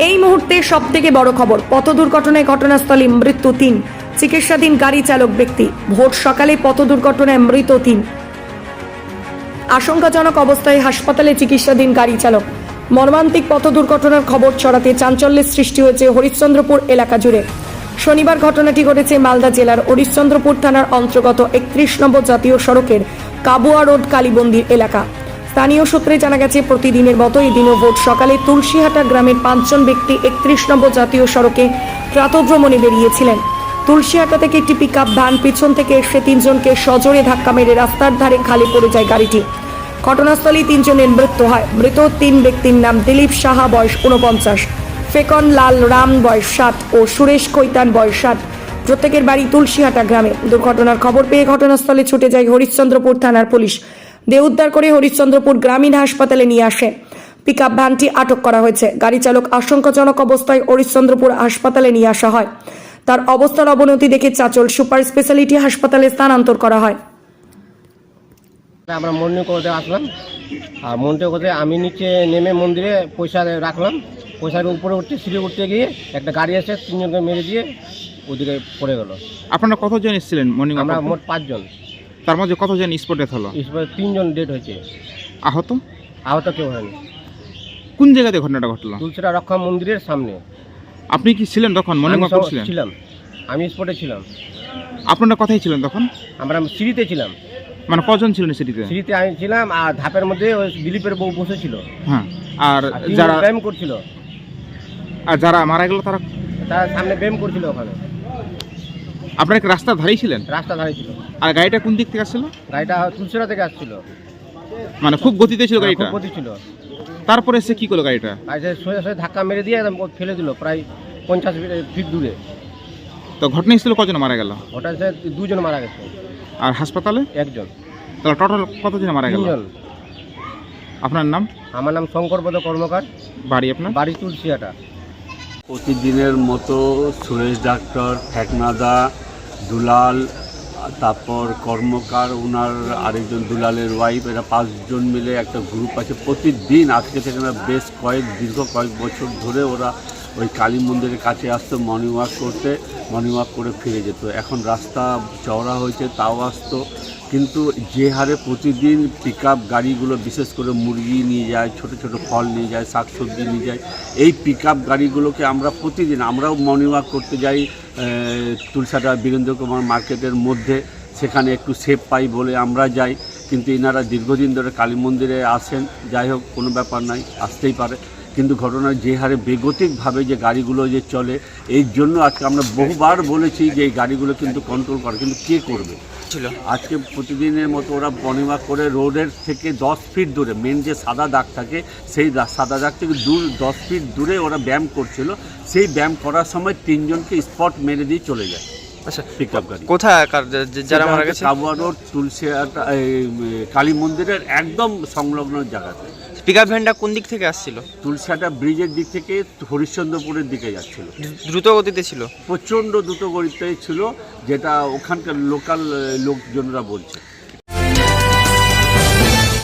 এই মুহূর্তে সবথেকে বড় খবর, পথ দুর্ঘটনায় ঘটনাস্থলে মৃত্যু 3, চিকিৎসাধীন গাড়ি চালক ব্যক্তি। ভোর সকালে পথ দুর্ঘটনায় মৃত 3, আশঙ্কাজনক অবস্থায় হাসপাতালে চিকিৎসাধীন গাড়ি চালক। মর্মান্তিক পথ দুর্ঘটনার খবর ছড়াতে চাঞ্চল্যের সৃষ্টি হয়েছে হরিশ্চন্দ্রপুর এলাকা জুড়ে। শনিবার ঘটনাটি ঘটেছে মালদা জেলার হরিশ্চন্দ্রপুর থানার অন্তর্গত 31 নম্বর জাতীয় সড়কের কাবুয়া রোড কালীমন্দির এলাকা। স্থানীয় সূত্রে জানা গেছে, প্রতিদিনের মতো এদিনও ভোর সকালে তুলসীহাটা গ্রামের 5 জন ব্যক্তি 31 নম্বর জাতীয় সড়কে প্রাতঃভ্রমণে বেরিয়েছিলেন। তুলসীহাটা থেকে একটি পিকআপ ভ্যান পিছন থেকে এসে 3 জনকে সজোরে ধাক্কা মেরে রাস্তার ধারে খালি পড়ে যায় গাড়িটি। ঘটনাস্থলেই 3 জনের মৃত্যু হয়। মৃত 3 ব্যক্তির নাম দিলীপ সাহা, বয়স 49, ফেকন লাল রাম, বয়স 60 ও সুরেশ কৈতান, বয়স 60। প্রত্যেকের বাড়ি তুলসীহাটা গ্রামে। দুর্ঘটনার খবর পেয়ে ঘটনাস্থলে ছুটে যায় হরিশ্চন্দ্রপুর থানার পুলিশ। দেহ উদ্ধার করে হরিশ্চন্দ্রপুর গ্রামীণ হাসপাতালে নিয়ে আসে। পিকআপ ভ্যানটি আটক করা হয়েছে। গাড়ি চালক আশঙ্কাজনক অবস্থায় হরিশ্চন্দ্রপুর হাসপাতালে নিয়ে আসা হয়। তার অবস্থার অবনতি দেখে চাচল সুপার স্পেশালিটি হাসপাতালে স্থানান্তর করা হয়। আমরা মর্নিং করতে আসলাম, আর মন্দির করতে আমি নিচে নেমে মন্দিরে পয়সা রাখলাম। পয়সার উপরে উঠতে সিঁড়ি উঠতে গিয়ে একটা গাড়ি এসে 3 জনকে মেরে দিয়ে ওদিকে পড়ে গেল। আপনারা কতজন এসেছিলেন মর্নিং? আমরা মোট 5 জন। তার মধ্যে কতজন স্পট ডেথ হলো? 3 জন ডেট হয়েছে। আহত আহত কেউ হয়নি। কোন জায়গাতে ঘটনাটা ঘটলো? তুলসীরা রক্ষা মন্দিরের সামনে। আপনি কি ছিলেন তখন? মর্নিং ওয়াক করছিলেন? ছিলাম, আমি স্পটে ছিলাম। আপনারা কোথায় ছিলেন তখন? আমরা সিঁড়িতে ছিলাম। মানে কজন ছিলেন সিটিতে? সিঁড়িতে আমি ছিলাম, আর ধাপের মধ্যে ওই দিলীপের বউ বসেছিল। হ্যাঁ, আর 3 যারা ব্যায়াম করছিল, যারা মারা গেল তারা তার সামনে ব্যায়াম করছিল। ওখানে আপনারা কি রাস্তার ধারেই ছিলেন? রাস্তা ধারে ছিল। আর গাড়িটা কোন দিক থেকে আসছিল? গাড়িটা তুলসীরা থেকে আসছিল। মানে খুব গতিতে ছিল গাড়িটা? খুব গতি ছিল। তারপরে সে কি করলো গাড়িটা? গাড়িটা সোজা সোজা ধাক্কা মেরে দিয়ে একদম ফেলে দিল প্রায় 50 ফিট দূরে। তো ঘটনাস্থলে কজন মারা গেল? ওটা 2 জন মারা গেছে। আর হাসপাতালে 1 জন। তাহলে টোটাল কতজন মারা গেল? 3 জন। আপনার নাম? আমার নাম শঙ্করপদ কর্মকার। বাড়ি আপনার? বাড়ি তুলসীহাটা। প্রতিদিনের মতো সুরেশ ডাক্তার, ফেকনাদা, দুলাল, তারপর কর্মকার, ওনার আরেকজন দুলালের ওয়াইফ, এরা 5 জন মিলে একটা গ্রুপ আছে। প্রতিদিন আজকে থেকে না বেশ দীর্ঘ কয়েক বছর ধরে ওরা ওই কালী মন্দিরের কাছে আসতো মর্নিং ওয়াক করতে। মর্নিং ওয়াক করে ফিরে যেত। এখন রাস্তা চওড়া হয়েছে তাও আসতো, কিন্তু যে হারে প্রতিদিন পিকআপ গাড়িগুলো, বিশেষ করে মুরগি নিয়ে যায়, ছোট ছোট ফল নিয়ে যায়, শাকসবজি নিয়ে যায়, এই পিকআপ গাড়িগুলোকে আমরা প্রতিদিন, আমরাও মর্নিং ওয়াক করতে যাই তুলসাটা বীরেন্দ্র কুমার মার্কেটের মধ্যে, সেখানে একটু সেফ পাই বলে আমরা যাই। কিন্তু এনারা দীর্ঘদিন ধরে কালী মন্দিরে আসেন। যাই হোক, কোনো ব্যাপার নাই, আসতেই পারে। কিন্তু ঘটনার যে হারে বেগতিকভাবে যে গাড়িগুলো যে চলে, এই জন্য আজকে আমরা বহুবার বলেছি যে এই গাড়িগুলো কিন্তু কন্ট্রোল করে, কিন্তু কে করবে? আজকে প্রতিদিনের মতো ওরা মর্নিং ওয়াক করে রোডের থেকে 10 ফিট দূরে, মেন যে সাদা দাগ থাকে সেই সাদা দাগ থেকে 10 ফিট দূরে ওরা ব্যায়াম করছিল। সেই ব্যায়াম করার সময় 3 জনকে স্পট মেরে দিয়ে চলে যায়। আচ্ছা, পিকআপ গাড়ি কোথায় যারা মারা গেছে? কাবুয়া রোড তুলসীহাটা কালী মন্দিরের একদম সংলগ্ন জায়গাতে। পিকআপ ভ্যানটা কোন দিক থেকে আসছিল? তুলসীহাটা ব্রিজের দিক থেকে হরিশ্চন্দ্রপুরের দিকে যাচ্ছিল। দ্রুত গতিতে ছিল? প্রচণ্ড দ্রুত গতিতে ছিল, যেটা ওখানকার লোকাল লোকজনরা বলছে।